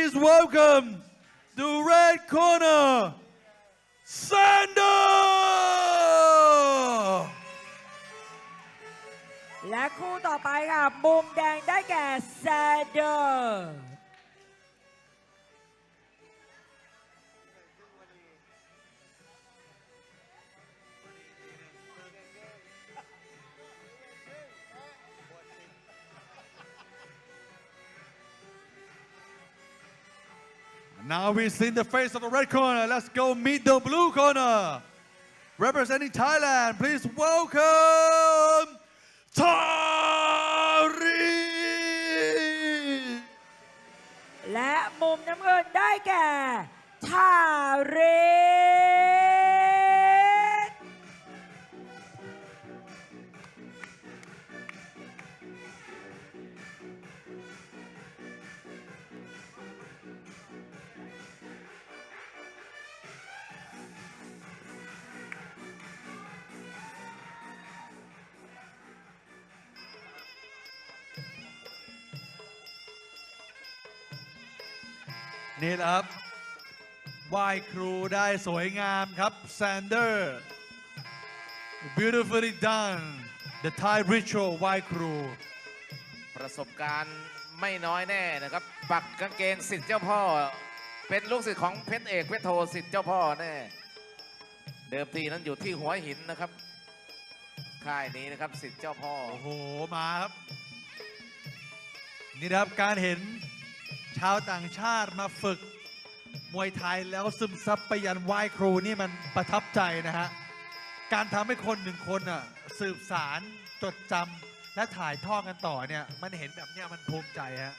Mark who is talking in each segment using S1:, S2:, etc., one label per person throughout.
S1: please welcome the red corner, Sander!
S2: และคู่ต่อไปค่ะมุมแดงได้แก่แซนเดอร์
S1: Now we've seen the face of the red corner. Let's go meet the blue corner. Representing Thailand, please welcome Tari!
S2: และมุมน้ำเงินได้แก่ทาเรศ
S1: นี่แหละครับไหว้ครูได้สวยงามครับ Sander beautifully done the Thai ritual ไหว้ครู
S3: ประสบการณ์ไม่น้อยแน่นะครับ ปักกางเกงสิทธิ์เจ้าพ่อ เป็นลูกศิษย์ของเพชรเอกเพชรโทสิทธิ์เจ้าพ่อแน่ เดิมทีนั้นอยู่ที่หัวหินนะครับ ค่ายนี้นะครับสิทธิ์เจ้าพ่อ
S1: โอ้โห มาครับ นี่นะครับการเห็นชาวต่างชาติมาฝึกมวยไทยแล้วซึมซับไปยันไหว้ครูนี่มันประทับใจนะฮะ การทำให้คนหนึ่งคนอ่ะสืบสารจดจำและถ่ายทอดกันต่อเนี่ย มันเห็นแบบเนี้ยมันภูมิใจฮะ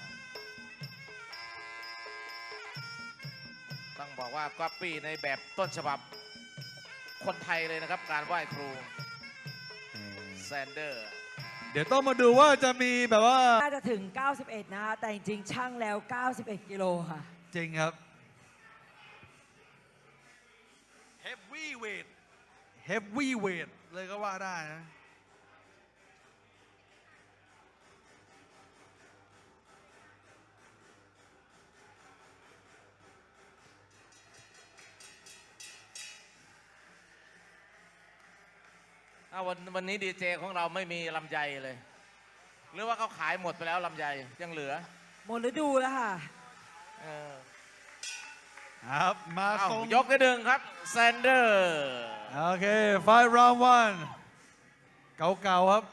S3: ต้องบอกว่าก๊อปปี้ในแบบต้นฉบับคนไทยเลยนะครับ การไหว้ครูแซนเดอร์
S1: เดี๋ยวต้องมาดูว่าจะมีแบบว่า
S2: น่าจะถึง 91 นะคะแต่จริงๆช่างแล้ว 91 กิโลค่ะ
S1: จริงครับ heavyweight heavyweight เลยก็ว่าได้นะ
S3: วันนี้ดีเจของเราไม่มีลำไยเลย หรือว่าเขาขายหมดไปแล้วลำไยยังเหลือ
S2: หมดฤดูแล้วค่ะ
S3: เออ
S1: ครับ มา
S3: เอ้า
S1: ส่ง
S3: ยกที่หนึ่งครับแซนเดอร์
S1: โอเค fight round one เก่าๆครับ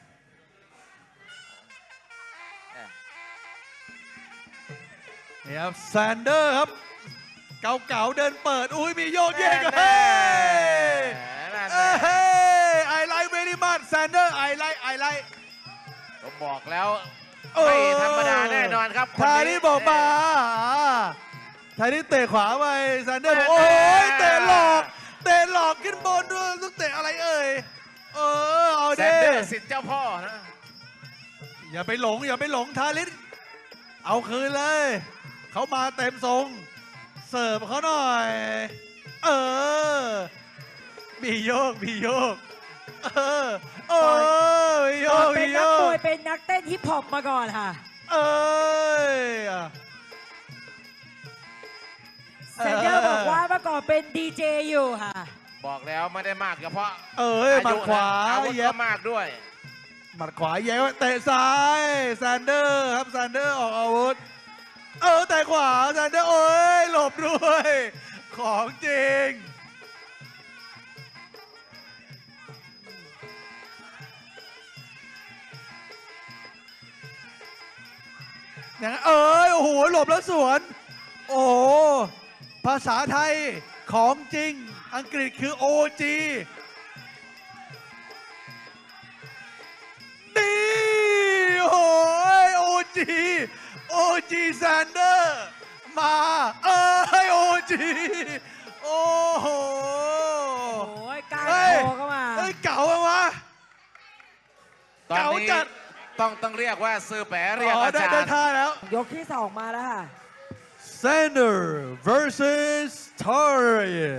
S1: นี่ครับแซนเดอร์ครับ เก่าๆเดินเปิด อุ้ยมีโยกเยกเฮ้ยเฮ้ย I like very much Sander I like
S3: ผมบอกแล้วไม่ธรรมดาแน่นอนครับคน
S1: ทา
S3: นี้
S1: นี่บอกมาทานี่เตะขวาไปแซนเดอร์บอกโอ้ยเตะหลอกขึ้นบนด้วยต้องเตะอะไรเอ่ยเอา
S3: แซ
S1: ดิ
S3: นเดอร์สิทธิ์เจ้าพ่อนะ
S1: อย่าไปหลงทาริสเอาคืนเลย เขามาเต็มทรง เสิร์ฟเขาหน่อย มีโยกมีโยกมีโย
S2: ก่อน
S1: ก
S2: เป็
S1: มี
S2: น
S1: โย
S2: นักม
S1: ก
S2: วยเป็นนักเต้นฮิปฮอปมาก่อนค่ะ เซนเดอร์บอกว่าเมื่อก่อนเป็นดีเจอยู่ค่ะ
S3: บอกแล้วไม่ได้มากเฉพาะ
S1: หมัดขวา
S3: อาวุธ
S1: เย็
S3: ก็
S1: บ
S3: มากด้วย
S1: หมัดขวาแย้เตะซ้ายแซนเดอร์ครับแซนเดอร์ออกอาวุธแต่ขวาแซนเดอร์โอ้ยหลบด้วย ของจริงอย่างนั้นโอ้โหหลบแล้วสวน โอ้โหภาษาไทยของจริงอังกฤษคือ OG นี่โอ้ย OG แซนเดอร์มาOG โอ้โห
S2: โอ้ยการ
S1: เฮ้ย
S2: โทรเข้ามา
S1: เก่าอะวะ
S3: ตอน
S1: เก่า
S3: นี้
S1: จัด
S3: ต้องเรียกว่าซื้อแปะเรียกอา
S1: ได้
S3: จาร
S1: ได้
S3: ย์
S1: ท่าแล้ว
S2: ยกที่ 2 มาแล้วค่ะ
S1: Sander versus Tari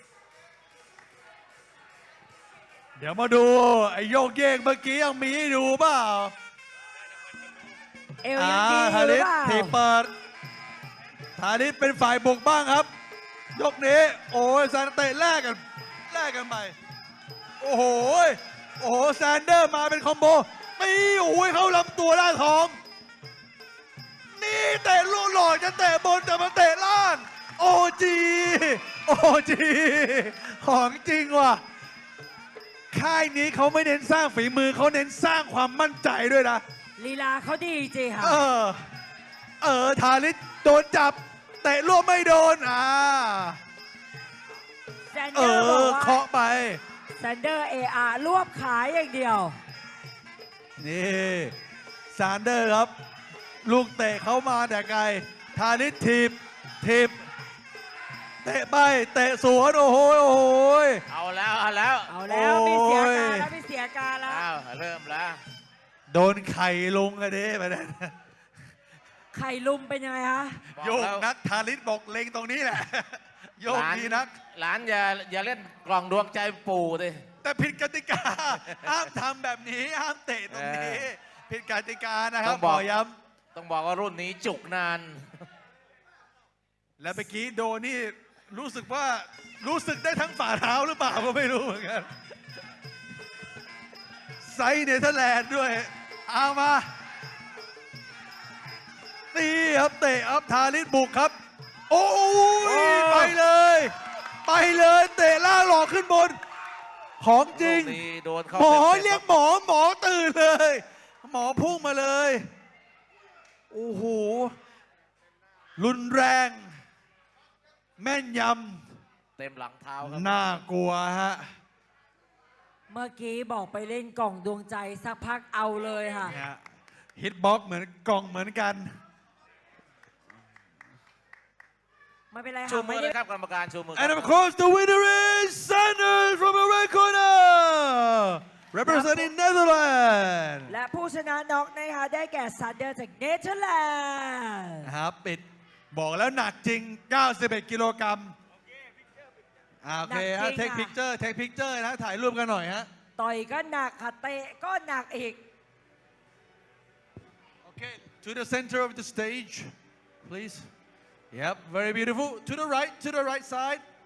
S1: เดี๋ยวมาดูไอ้โยกเยกเมื่อกี้ยังมีให้ดูเปล่า
S2: เอวยังดีอยู่
S1: ฮา
S2: หรื
S1: ริ
S2: อ
S1: ส
S2: เปล่า
S1: ทีเปิดธานิชเป็นฝ่ายบุกบ้างครับ ยกนี้ โอ้ยแซนเตะแลกกันไป โอ้โหแซนเดอร์มาเป็นคอมโบตีโอ้ยเข้าลำตัวด้านท้อง นี่เตะลูกหลอกจะเตะบนแต่มาเตะล่าง โอจีของจริงว่ะ ค่ายนี้เขาไม่เน้นสร้างฝีมือเขาเน้นสร้างความมั่นใจด้วยนะ
S2: ลีลาเขาดีจริงค่ะ
S1: ทาริสโดนจับ เตะร่วมไม่โดน
S2: แซนเดอร์บอกว่า
S1: เคาะไป
S2: แซนเดอร์รวบขายอย่างเดียว
S1: นี่ซานเดอร์ครับ ลูกเตะเขามาแต่ไกล ทาริสถีบเตะไปเตะสวนโอ้โห
S3: เอาแล้ว
S2: มีเสียการแล้ว
S3: อ้าวเริ่มแล้ว
S1: โดนไข่ลงกันดิไปนั่น
S2: ไข่ลุมเป็นยังไงคะ
S1: โยกนักทาริสบอกเล็งตรงนี้แหละ โยกดีนัก
S3: หลานอย่าเล่นกล่องดวงใจปู่ดิ
S1: แต่ผิดกติกา ห้ามทำแบบนี้ ห้ามเตะตรงนี้ ผิดกติกานะครับขอย้ำ
S3: ต้องบอกว่ารุ่นนี้จุกนาน
S1: และเมื่อกี้โดนนี่รู้สึกได้ทั้งฝ่าเท้าหรือเปล่าก็ไม่รู้เหมือนกัน ไซส์เนเธอร์แลนด์ด้วย เอามาตีครับเตะอัพทาริสบุกครับ โอ้ยไปเลยเตะล่างหลอกขึ้นบน ของจริง
S3: โดนเข้า
S1: หมอ
S3: ต็มๆ
S1: เรียกหมอตื่นเลย หมอพุ่งมาเลย โอ้โห รุนแรง แม่นย
S3: เต็มหลังเท้าครับ
S1: ำน่ากลัวฮะ
S2: เมื่อกี้บอกไปเล่นกล่องดวงใจสักพักเอาเลยค่ะ
S1: ฮิตบ็อกเหมือนกล่องเหมือนกัน
S2: ไม่เป็นไร
S3: ชู
S2: ค่ะ
S3: มื
S2: ไม่
S3: อ
S2: ได้
S3: เลยครับกรรมการชูมือ
S1: And of course the winner is Sanders from the red corner representing Netherlands
S2: และผู้ชนะน็อกนะคะได้แก่ซันเดอร์จากเนเธอร์แลนด์
S1: นะครับปิดบอกแล้วหนักจริง 91 กิโลกรัมโอเคฮะเทคพิกเจอร์นะถ่ายรูปกันหน่อยฮะ
S2: ต่อยก็หนักค่ะเตะก็หนักอีก
S1: Okay to the center of the stage please Yep very beautiful to the right side